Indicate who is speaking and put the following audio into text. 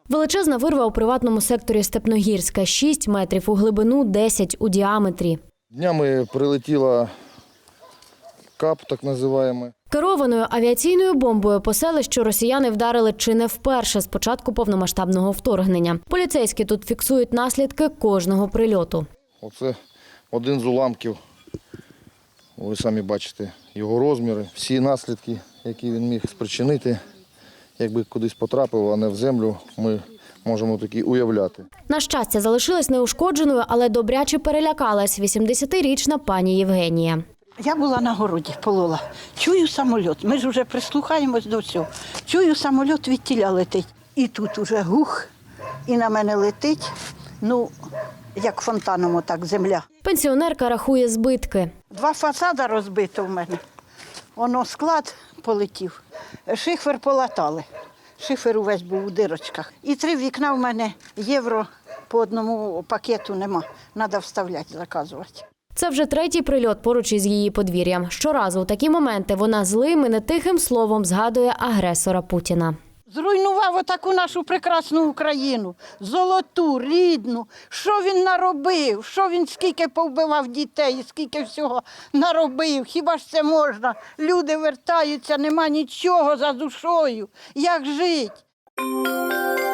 Speaker 1: Величезна вирва у приватному секторі Степногірська – 6 метрів у глибину, 10 у діаметрі.
Speaker 2: Днями прилетіла КАП, так називаємо.
Speaker 1: Керованою авіаційною бомбою по селищу росіяни вдарили чи не вперше з початку повномасштабного вторгнення. Поліцейські тут фіксують наслідки кожного прильоту.
Speaker 2: Оце один з уламків. Ви самі бачите його розміри, всі наслідки, які він міг спричинити. Якби кудись потрапив, а не в землю, ми можемо такі уявляти.
Speaker 1: На щастя, залишилась неушкодженою, але добряче перелякалась 80-річна пані Євгенія.
Speaker 3: Я була на городі, полола. Чую самоліт. Ми ж вже прислухаємось до всього. Чую, самоліт від тіля летить. І тут уже гух, і на мене летить, як фонтаном отак земля.
Speaker 1: Пенсіонерка рахує збитки.
Speaker 3: 2 фасади розбито в мене. Воно склад полетів, шифер полатали. Шифер увесь був у дирочках. І 3 вікна в мене євро по одному пакету нема. Треба вставляти, заказувати.
Speaker 1: Це вже 3-й прильот поруч із її подвір'ям. Щоразу у такі моменти вона злим і нетихим словом згадує агресора Путіна.
Speaker 3: Зруйнував отаку нашу прекрасну Україну, золоту, рідну. Що він наробив? Що він скільки повбивав дітей, скільки всього наробив? Хіба ж це можна? Люди вертаються, нема нічого за душою. Як жити?